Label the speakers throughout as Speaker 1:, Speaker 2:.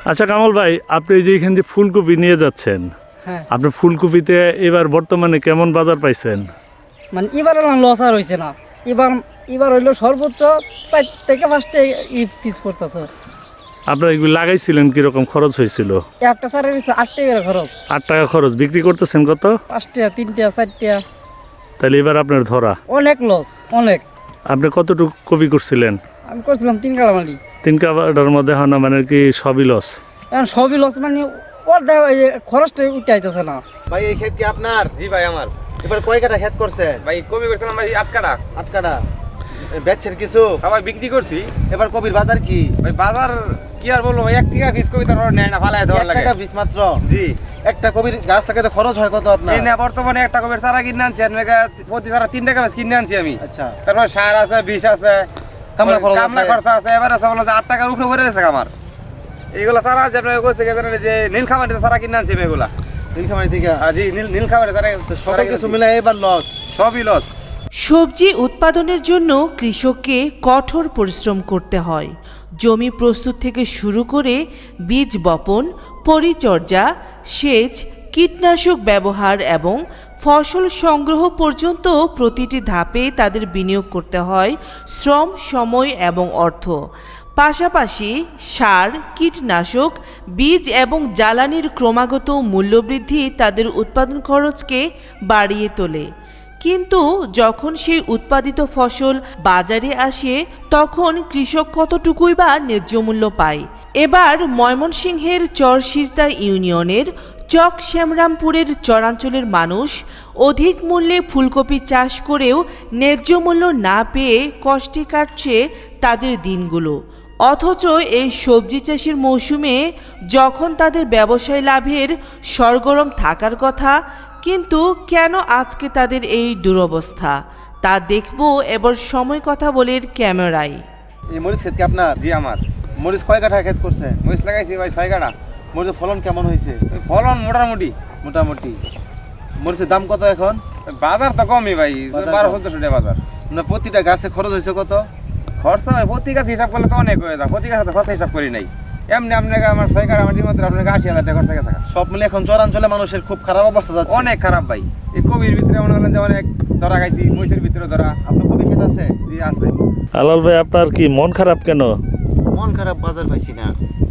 Speaker 1: আচ্ছা কামাল ভাই, আপনি যে এখান দিয়ে ফুলকপি নিয়ে যাচ্ছেন,
Speaker 2: হ্যাঁ,
Speaker 1: আপনি ফুলকপিতে এবার বর্তমানে কেমন বাজার পাইছেন?
Speaker 2: মানে এবার লস আর হয়েছে না। এবার এবার হইলো সর্বোচ্চ 4 থেকে 5টা পিস পড়তেছে।
Speaker 1: আপনারা এগুলো লাগাইছিলেন, কিরকম খরচ হয়েছিল?
Speaker 2: একটা সারের হচ্ছে 8 টাকা খরচ।
Speaker 1: 8 টাকা খরচ, বিক্রি করতেছেন কত?
Speaker 2: 5টা, 3টা, 4টা,
Speaker 1: তাহলে এবার আপনার ধরা।
Speaker 2: অনেক লস, অনেক।
Speaker 1: আপনি কতটুকু কপি করছিলেন?
Speaker 2: আমি করছিলাম 3 কাটা মালি।
Speaker 1: 3 কাটার মধ্যে হয় না, মানে কি সবই লস?
Speaker 2: এখন সবই লস, মানে অর্ধেক খরচটা উঠে আইতেছে না।
Speaker 3: ভাই এই ক্ষেত কি আপনার?
Speaker 4: জি ভাই আমার।
Speaker 3: এবার কয় কাটা ক্ষেত করছেন?
Speaker 4: ভাই কবি করছিলাম ভাই 8 কাটা।
Speaker 3: 8 কাটা। বেচছেন কিছু?
Speaker 4: আবার বিক্রি করছি।
Speaker 3: এবার কবির বাজার কি?
Speaker 4: ভাই বাজার কি আর বলবো ভাই, 1 টাকা পিস কবি তার নেয় না, ফালায় দেওয়ার
Speaker 3: 1
Speaker 4: লাগে।
Speaker 3: টাকা পিস মাত্র?
Speaker 4: জি।
Speaker 3: একটা কবির গাছ থেকে তো খরচ হয় কত আপনার?
Speaker 4: এই না বর্তমানে একটা কবির চারা কিনে আনছি, প্রতি চারা 3 টাকা পিস কিনে আনছি আমি।
Speaker 3: আচ্ছা।
Speaker 4: তারপর সার আছে, বিষ আছে,
Speaker 3: কামলা খরচ
Speaker 4: কামলা
Speaker 3: আছে।
Speaker 4: খরচ আছে। এবার আছে বলো যে 8 টাকার উপরে ভরে দিয়েছে আমার। এইগুলা চারা আছে আপনার কইছে যে নীলখামারিতে চারা কিনে আনছি আমি এগুলা।
Speaker 3: নীলফামারী থেকে?
Speaker 4: জি নীলখামারি চারা।
Speaker 3: তো সকল কিছু মিলে এবার লস।
Speaker 4: সবই লস।
Speaker 5: সবজি উৎপাদনের জন্য কৃষককে কঠোর পরিশ্রম করতে হয়। জমি প্রস্তুত থেকে শুরু করে বীজ বপন, পরিচর্যা, সেচ, কীটনাশক ব্যবহার এবং ফসল সংগ্রহ পর্যন্ত প্রতিটি ধাপে তাদের বিনিয়োগ করতে হয় শ্রম, সময় এবং অর্থ। পাশাপাশি সার, কীটনাশক, বীজ এবং জ্বালানির ক্রমাগত মূল্যবৃদ্ধি তাদের উৎপাদন খরচকে বাড়িয়ে তোলে। কিন্তু যখন সেই উৎপাদিত ফসল বাজারে আসে, তখন কৃষক কতটুকুই বা ন্যায্য মূল্য পায়? এবার ময়মনসিংহের চরশিরতা ইউনিয়নের চক শ্যামরামপুরের চরাঞ্চলের মানুষ অধিক মূল্যে ফুলকপি চাষ করেও ন্যায্য মূল্য না পেয়ে কষ্টে কাটছে তাদের দিনগুলো। অথচ এই সবজি চাষের মৌসুমে যখন তাদের ব্যবসায় লাভের সরগরম থাকার কথা, কিন্তু কেন আজকে তাদের এই দুরবস্থা, তা দেখব এবার সময় কথা বলে ক্যামেরায়।
Speaker 3: এই মরিচ ক্ষেত কি আপনার?
Speaker 4: জি আমার।
Speaker 3: মরিচ কয় কাঠা ক্ষেত করছেন?
Speaker 4: মরিচ লাগাইছি ভাই 6 কাটা।
Speaker 3: মরিচের ফলন কেমন হয়েছে?
Speaker 4: ফলন মোটামুটি।
Speaker 3: মোটামুটি। মরিচের দাম কত এখন?
Speaker 4: বাজার তো কমই ভাই,
Speaker 3: বাজার
Speaker 4: 1200 টাকা বাজার।
Speaker 3: মানে প্রতিটা গাছে খরচ হয়েছে কত?
Speaker 4: খরচা হয় প্রতি গাছ হিসাব করলে তো অনেক হয়ে যায়। প্রতি গাছ খরচা হিসাব করি নাই। এমনি আপনাকে আমার 6 কাটা মাটির মধ্যে আপনাকে 80,000 টাকা খরচা গেছে।
Speaker 3: সব মিলে এখন চরাঞ্চলে মানুষের খুব খারাপ অবস্থা যাচ্ছে।
Speaker 4: অনেক খারাপ ভাই। এই কবির ভিতরে মনে করেন যে অনেক ধরা খাইছি, মহিষের ভিতরে ধরা।
Speaker 3: আপনার কবি ক্ষেত আছে?
Speaker 4: জি আছে।
Speaker 1: আলাল ভাই, আপনার কি মন খারাপ কেন?
Speaker 3: মন খারাপ, বাজার পাইছি না।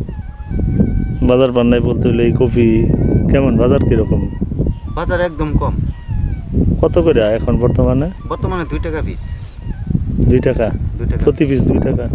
Speaker 1: বাজার পান নাই বলতে হলে এই কপি কেমন, বাজার কিরকম?
Speaker 3: বাজার একদম কম।
Speaker 1: কত করে এখন বর্তমানে?
Speaker 3: বর্তমানে 2 টাকা পিস।
Speaker 1: 2 টাকা
Speaker 3: 2 টাকা
Speaker 1: প্রতি পিস, 2 টাকা।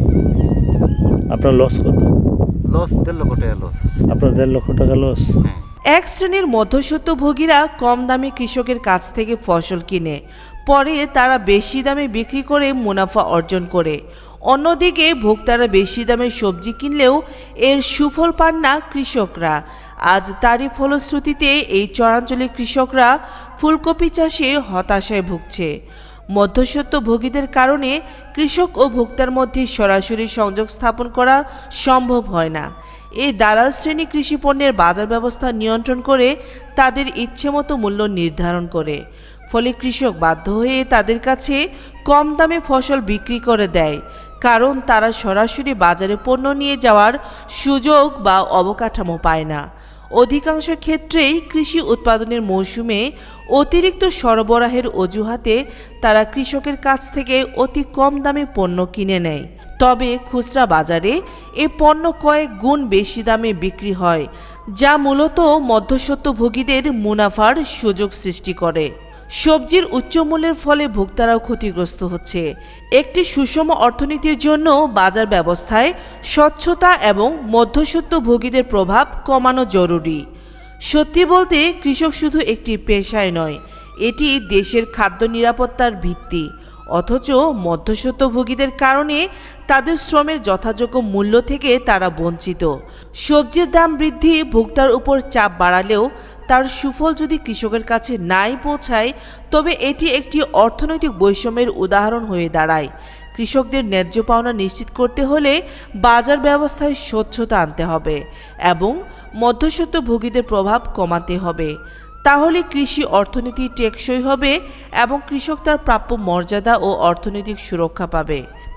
Speaker 1: আপনার লস কত?
Speaker 3: লস 1.5 লক্ষ টাকা লস আছে।
Speaker 1: আপনার 1.5 লক্ষ টাকা লস?
Speaker 3: হ্যাঁ।
Speaker 5: এক শ্রেণীর মধ্যস্বত্বভোগীরা কম দামে কৃষকের কাছ থেকে ফসল কিনে পরে তারা বেশি দামে বিক্রি করে মুনাফা অর্জন করে। অন্যদিকে ভোক্তারা বেশি দামে সবজি কিনলেও এর সুফল পান না কৃষকরা। আজ তারই ফলশ্রুতিতে এই চরাঞ্চলের কৃষকরা ফুলকপি চাষে হতাশায় ভুগছে। মধ্যস্বত্বভোগীদের কারণে কৃষক ও ভোক্তার মধ্যে সরাসরি সংযোগ স্থাপন করা সম্ভব হয় না। এই দালাল শ্রেণী কৃষি পণ্যের বাজার ব্যবস্থা নিয়ন্ত্রণ করে তাদের ইচ্ছেমতো মূল্য নির্ধারণ করে। ফলে কৃষক বাধ্য হয়ে তাদের কাছে কম দামে ফসল বিক্রি করে দেয়, কারণ তারা সরাসরি বাজারে পণ্য নিয়ে যাওয়ার সুযোগ বা অবকাঠামো পায় না। অধিকাংশ ক্ষেত্রেই কৃষি উৎপাদনের মৌসুমে অতিরিক্ত সরবরাহের অজুহাতে তারা কৃষকের কাছ থেকে অতি কম দামে পণ্য কিনে নেয়। তবে খুচরা বাজারে এ পণ্য কয়েক গুণ বেশি দামে বিক্রি হয়, যা মূলত মধ্যস্বত্বভোগীদের মুনাফার সুযোগ সৃষ্টি করে। সবজির উচ্চমূল্যের ফলে ভোক্তারাও ক্ষতিগ্রস্ত হচ্ছে। একটি সুষম অর্থনীতির জন্য বাজার ব্যবস্থায় স্বচ্ছতা এবং মধ্যস্বত্বভোগীদের প্রভাব কমানো জরুরি। সত্যি বলতে কৃষক শুধু একটি পেশায় নয়, এটি দেশের খাদ্য নিরাপত্তার ভিত্তি। অথচ মধ্যস্বত্বভোগীদের কারণে তাদের শ্রমের যথাযোগ্য মূল্য থেকে তারা বঞ্চিত। সবজির দাম বৃদ্ধি ভোক্তার উপর চাপ বাড়ালেও তার সুফল যদি কৃষকের কাছে নাই পৌঁছায়, তবে এটি একটি অর্থনৈতিক বৈষম্যের উদাহরণ হয়ে দাঁড়ায়। কৃষকদের ন্যায্য পাওনা নিশ্চিত করতে হলে বাজার ব্যবস্থায় স্বচ্ছতা আনতে হবে এবং মধ্যস্বত্বভোগীদের প্রভাব কমাতে হবে। তাহলে কৃষি অর্থনীতি টেকসই হবে এবং কৃষক তার প্রাপ্য মর্যাদা ও অর্থনৈতিক সুরক্ষা পাবে।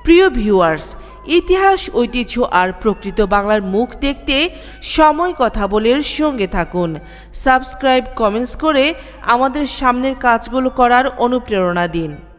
Speaker 5: প্রিয় ভিউয়ার্স, ইতিহাস, ঐতিহ্য আর প্রকৃত বাংলার মুখ দেখতে সময় কথা বলের সঙ্গে থাকুন। সাবস্ক্রাইব, কমেন্টস করে আমাদের সামনের কাজগুলো করার অনুপ্রেরণা দিন।